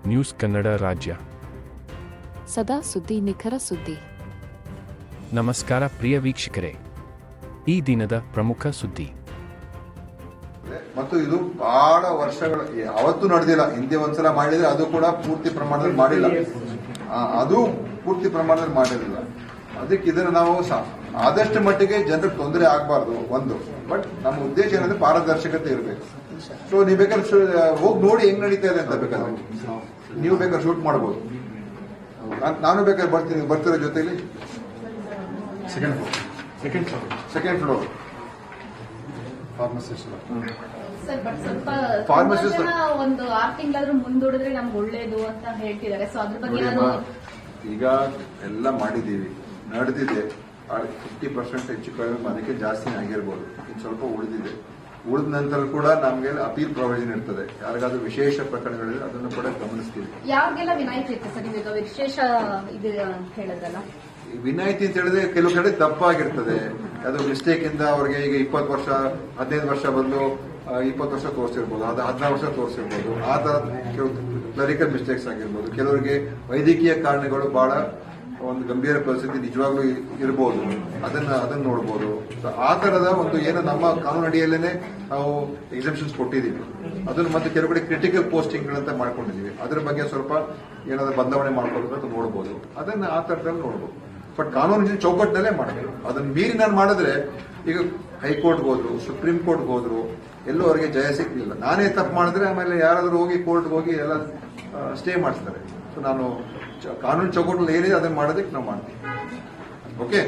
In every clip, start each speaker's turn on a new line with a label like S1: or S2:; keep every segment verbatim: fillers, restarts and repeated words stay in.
S1: News Kannada ರಾಜ್ಯ.
S2: ಸದಾ ಸುದ್ದಿ, ನಿಖರ ಸುದ್ದಿ.
S1: ನಮಸ್ಕಾರ ಪ್ರಿಯ ವೀಕ್ಷಕರೇ, ಈ ದಿನದ ಪ್ರಮುಖ ಸುದ್ದಿ.
S3: ಮತ್ತು ಇದು ಬಹಳ ವರ್ಷಗಳ ಅವತ್ತು ನಡೆದಿಲ್ಲ. ಹಿಂದೆ ಒಂದ್ಸಲ ಮಾಡಿದ್ರೆ ಅದು ಕೂಡ ಪೂರ್ತಿ ಪ್ರಮಾಣದಲ್ಲಿ ಮಾಡಿಲ್ಲ, ಅದು ಪೂರ್ತಿ ಪ್ರಮಾಣದಲ್ಲಿ ಮಾಡಿರಲಿಲ್ಲ. ಅದಕ್ಕೆ ಇದನ್ನು ನಾವು ಆದಷ್ಟು ಮಟ್ಟಿಗೆ ಜನರಿಗೆ ತೊಂದರೆ ಆಗಬಾರ್ದು ಒಂದು. ಬಟ್ ನಮ್ಮ ಉದ್ದೇಶ ಏನಂದ್ರೆ ಪಾರದರ್ಶಕತೆ ಇರಬೇಕು. ಸೊ ನೀವು ಬೇಕಾದ್ರೆ ಹೋಗಿ ನೋಡಿ ಹೆಂಗ್ ನಡೀತಾ ಇದೆ ಅಂತ ಬೇಕಾದ್ರೆ ನೀವು ಬೇಕಾದ್ರೆ ಶೂಟ್ ಮಾಡಬಹುದು. ನಾನು ಬೇಕಾದ್ರೆ ಬರ್ತೀನಿ, ಬರ್ತಿರೋ ಜೊತೆಲಿ second floor second floor second floor pharmacist
S4: sir, but ಸ್ವಲ್ಪ
S3: ಫಾರ್ಮಸಿಸ್ಟ್
S4: ಒಂದು ಆರು ತಿಂಗಳಾದ್ರೂ ಮುಂದೂಡಿದ್ರೆ ನಮ್ಗೆ ಒಳ್ಳೇದು ಅಂತ ಹೇಳ್ತಿದ್ದಾರೆ. ಸೊ ಅದ್ರ ಬಗ್ಗೆ ನಾನು
S3: ಈಗ ಎಲ್ಲ ಮಾಡಿದ್ದೀವಿ, ನಡೆದಿದೆ. ಫಿಫ್ಟಿ ಪರ್ಸೆಂಟ್ ಹೆಚ್ಚು ಕಡಿಮೆ, ಅದಕ್ಕೆ ಜಾಸ್ತಿ ಆಗಿರ್ಬೋದು. ಇನ್ನು ಸ್ವಲ್ಪ ಉಳಿದಿದೆ. ಉಳಿದ ನಂತರ ಕೂಡ ನಮಗೆ ಅಪೀಲ್ ಪ್ರೊವಿಷನ್ ಇರ್ತದೆ. ಯಾರಿಗಾದ್ರೂ ವಿಶೇಷ ಪ್ರಕರಣಗಳಿದ್ರೆ ಅದನ್ನು ಕೂಡ ಗಮನಿಸ್ತೀವಿ.
S4: ಯಾರಿಗೆಲ್ಲ ವಿನಾಯಿತಿ ಇರುತ್ತೆ ಸರ್? ಈಗ ವಿಶೇಷ ಇದು ಹೇಳಿದ್ರಲ್ಲ,
S3: ವಿನಾಯಿತಿ ಅಂತ ಹೇಳಿದ್ರೆ ಕೆಲವು ಕಡೆ ತಪ್ಪಾಗಿರ್ತದೆ. ಅದು ಮಿಸ್ಟೇಕ್ ಇಂದ ಅವ್ರಿಗೆ ಈಗ ಇಪ್ಪತ್ತು ವರ್ಷ ಹದಿನೈದು ವರ್ಷ ಬಂದು ಇಪ್ಪತ್ತು ವರ್ಷ ತೋರಿಸಿರ್ಬೋದು, ಅದು ಹದಿನಾರು ವರ್ಷ ತೋರಿಸಿರ್ಬೋದು. ಆ ತರ ಕೆಲವು ಕ್ಲರಿಕಲ್ ಮಿಸ್ಟೇಕ್ಸ್ ಆಗಿರ್ಬೋದು. ಕೆಲವರಿಗೆ ವೈದ್ಯಕೀಯ ಕಾರಣಗಳು ಬಹಳ ಒಂದು ಗಂಭೀರ ಪರಿಸ್ಥಿತಿ ನಿಜವಾಗ್ಲೂ ಇರಬಹುದು, ಅದನ್ನ ಅದನ್ನ ನೋಡ್ಬೋದು. ಆ ತರದ ಒಂದು ಏನು ನಮ್ಮ ಕಾನೂನು ಅಡಿಯಲ್ಲೇನೆ ನಾವು ಎಕ್ಸೆಪ್ಷನ್ಸ್ ಕೊಟ್ಟಿದ್ದೀವಿ. ಅದನ್ನು ಮತ್ತೆ ಕೆಲವು ಕಡೆ ಕ್ರಿಟಿಕಲ್ ಪೋಸ್ಟಿಂಗ್ ಅಂತ ಮಾಡ್ಕೊಂಡಿದ್ದೀವಿ. ಅದ್ರ ಬಗ್ಗೆ ಸ್ವಲ್ಪ ಏನಾದ್ರು ಬದಲಾವಣೆ ಮಾಡ್ಕೊಳ್ಬೇಕು ಅಂತ ನೋಡ್ಬೋದು. ಅದನ್ನ ಆ ತರದಲ್ಲಿ ನೋಡ್ಬೋದು. ಬಟ್ ಕಾನೂನಿನ ಚೌಕಟ್ಟಿನಲ್ಲೇ ಮಾಡಬೇಕು. ಅದನ್ನ ಮೀರಿ ನಾನು ಮಾಡಿದ್ರೆ ಈಗ ಹೈಕೋರ್ಟ್ಗೆ ಹೋದ್ರು, ಸುಪ್ರೀಂ ಕೋರ್ಟ್ಗೆ ಹೋದ್ರು, ಎಲ್ಲೂ ಅವರಿಗೆ ಜಯ ಸಿಗ್ಲಿಲ್ಲ. ನಾನೇ ತಪ್ಪು ಮಾಡಿದ್ರೆ ಆಮೇಲೆ ಯಾರಾದ್ರೂ ಹೋಗಿ ಕೋರ್ಟ್ಗೆ ಹೋಗಿ ಎಲ್ಲ ಸ್ಟೇ ಮಾಡಿಸ್ತಾರೆ. ಸೊ ನಾನು ಕಾನೂನು ಚೌಕಟ್ಟಲ್ಲಿ ಏನಿದೆ ಅದನ್ನ ಮಾಡೋದಕ್ಕೆ ನಾವು ಮಾಡ್ತೀವಿ. ಓಕೆ.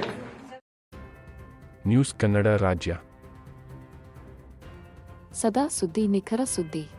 S1: ನ್ಯೂಸ್ ಕನ್ನಡ ರಾಜ್ಯ.
S2: ಸದಾ ಸುದ್ದಿ, ನಿಖರ ಸುದ್ದಿ.